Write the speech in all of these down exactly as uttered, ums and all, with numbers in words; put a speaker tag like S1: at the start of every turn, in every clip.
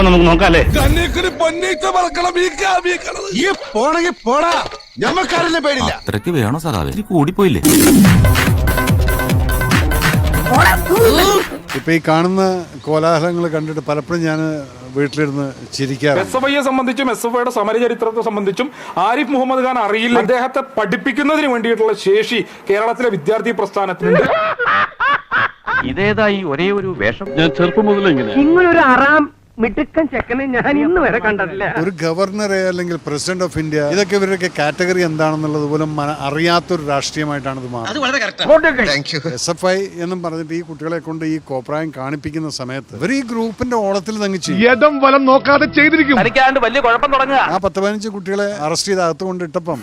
S1: അപ്പൊ നമുക്ക് നോക്കാല്ലേ?
S2: അത്രയ്ക്ക് വേണോ സാറാവേ? കൂടിപ്പോയില്ലേ?
S3: ഇപ്പൊ ഈ കാണുന്ന കോലാഹലങ്ങൾ കണ്ടിട്ട് പലപ്പോഴും ഞാൻ വീട്ടിലിരുന്ന് ചിരിക്കാറ്.
S4: എസ് എഫ് ഐയെ സംബന്ധിച്ചും എസ് എഫ് ഐയുടെ സമരചരിത്രത്തെ സംബന്ധിച്ചും ആരിഫ് മുഹമ്മദ് ഖാൻ അറിയില്ല. അദ്ദേഹത്തെ പഠിപ്പിക്കുന്നതിന് വേണ്ടിയിട്ടുള്ള ശേഷി കേരളത്തിലെ വിദ്യാർത്ഥി പ്രസ്ഥാനത്തിനുണ്ട്.
S1: ഇതേതായി ഒരേ ഒരു വേഷം?
S5: ഞാൻ ചെറുപ്പം മുതലേ ഇങ്ങനെ
S6: ഇങ്ങനൊരു അറാം മിടുക്കൻ ചെക്കനെ ഞാൻ ഇന്ന് വരെ കണ്ടിട്ടില്ല.
S3: ഒരു ഗവർണറെ അല്ലെങ്കിൽ പ്രസിഡന്റ് ഓഫ് ഇന്ത്യ, ഇതൊക്കെ ഇവരൊക്കെ കാറ്റഗറി എന്താണെന്നുള്ളത് പോലും അറിയാത്തൊരു രാഷ്ട്രീയമായിട്ടാണ് ഇത് മാറുന്നത്. എസ് എഫ് ഐ എന്നും പറഞ്ഞിട്ട് ഈ കുട്ടികളെ കൊണ്ട് ഈ കോപ്രായം കാണിപ്പിക്കുന്ന സമയത്ത് ഇവർ ഈ ഗ്രൂപ്പിന്റെ ഓളത്തിൽ തങ്ങിച്ച്
S5: വലം നോക്കാതെ ചെയ്തിരിക്കും.
S1: തനിക്കാണ്ട് വലിയ കുഴപ്പം തുടങ്ങുക.
S3: ആ പത്ത് പതിനഞ്ച് കുട്ടികളെ അറസ്റ്റ് ചെയ്ത് അകത്ത് കൊണ്ട് ഇട്ടപ്പം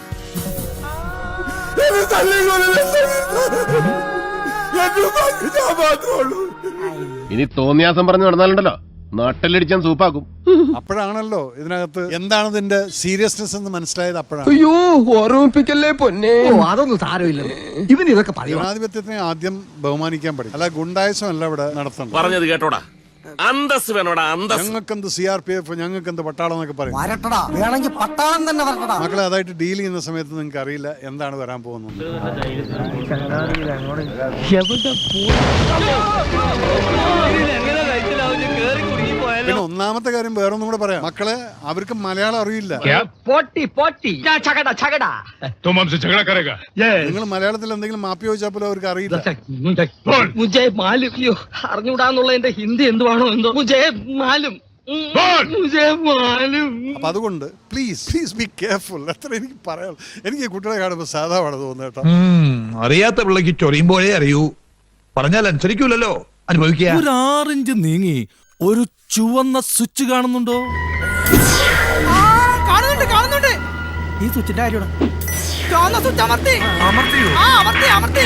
S5: ഇനി തോന്നിയാസം പറഞ്ഞു നടന്നാലുണ്ടല്ലോ നാട്ടിലടിച്ചാൻ സൂപ്പാക്കും.
S3: അപ്പോഴാണല്ലോ ഇതിനകത്ത് എന്താണ് ഇതിന്റെ സീരിയസ്നെസ് എന്ന് മനസ്സിലായത്. അപ്പോഴാണ്
S6: അയ്യോ ഓർമ്മിപ്പിക്കല്ലേ പൊന്നെ. അതൊന്നും സാരമില്ല, ഇവൻ ഇതൊക്കെ പറയും.
S3: ജനാധിപത്യത്തിനെ ആദ്യം ബഹുമാനിക്കാൻ പഠിക്കും, അല്ല ഗുണ്ടായസം അല്ല ഇവിടെ നടത്തണം.
S7: പറഞ്ഞത് കേട്ടോടാ, അന്തസ് വേണോടാ അന്തസ്.
S3: ഞങ്ങൾക്കെന്ത് സി ആർ പി എഫ്, ഞങ്ങൾക്കെന്ത് പട്ടാളം എന്നൊക്കെ പറയും.
S6: വേണമെങ്കിൽ പട്ടാളം തന്നെ വരട്ടടാ.
S3: മക്കളെ അതായിട്ട് ഡീൽ ചെയ്യുന്ന സമയത്ത് നിങ്ങൾക്ക് അറിയില്ല എന്താണ് വരാൻ പോകുന്നത്. പിന്നെ ഒന്നാമത്തെ കാര്യം വേറൊന്നും കൂടെ പറയാം, മക്കളെ അവർക്ക് മലയാളം അറിയില്ല. നിങ്ങൾ മലയാളത്തിൽ എന്തെങ്കിലും മാപ്പി ചോദിച്ചാൽ പോലും അവർക്ക് അറിയില്ല.
S6: അറിഞ്ഞൂടാന്നുള്ള എന്റെ ഹിന്ദി എന്തുവാണോ എന്തോ.
S3: അപ്പൊ അതുകൊണ്ട് പ്ലീസ് പ്ലീസ് ബി കെയർഫുൾ. അത്ര എനിക്ക് പറയാം. എനിക്ക് കുട്ടികളെ കാണുമ്പോൾ സാധാരണ തോന്നുന്നു കേട്ടോ.
S8: അറിയാത്ത പിള്ളക്ക് ചൊറിയുമ്പോഴേ അറിയൂ, പറഞ്ഞാൽ അനുസരിക്കൂലല്ലോ, അനുഭവിക്കുക.
S2: ഒരു ആറിഞ്ച് നീങ്ങി ഒരു ചുവന്ന സ്വിച്ച് കാണുന്നുണ്ടോ?
S6: കാണുന്നുണ്ട് കാണുന്നുണ്ട്.
S2: ഈ സ്വിച്ചിന്റെ കാര്യമാണ്.
S6: ചുവന്ന സ്വിച്ച് അമർത്തി.
S2: അമർത്തിയോ?
S6: ആ അമർത്തി അമർത്തി.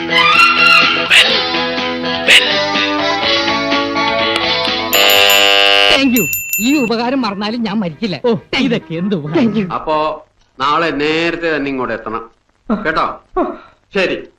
S6: Thank you. ഈ ഉപകാരം മറന്നാലും ഞാൻ മരിക്കില്ല. ഇതൊക്കെ എന്ത് ഉപകാരം.
S9: അപ്പോ നാളെ നേരത്തെ തന്നെ ഇങ്ങോട്ട് എത്തണം കേട്ടോ. ശരി.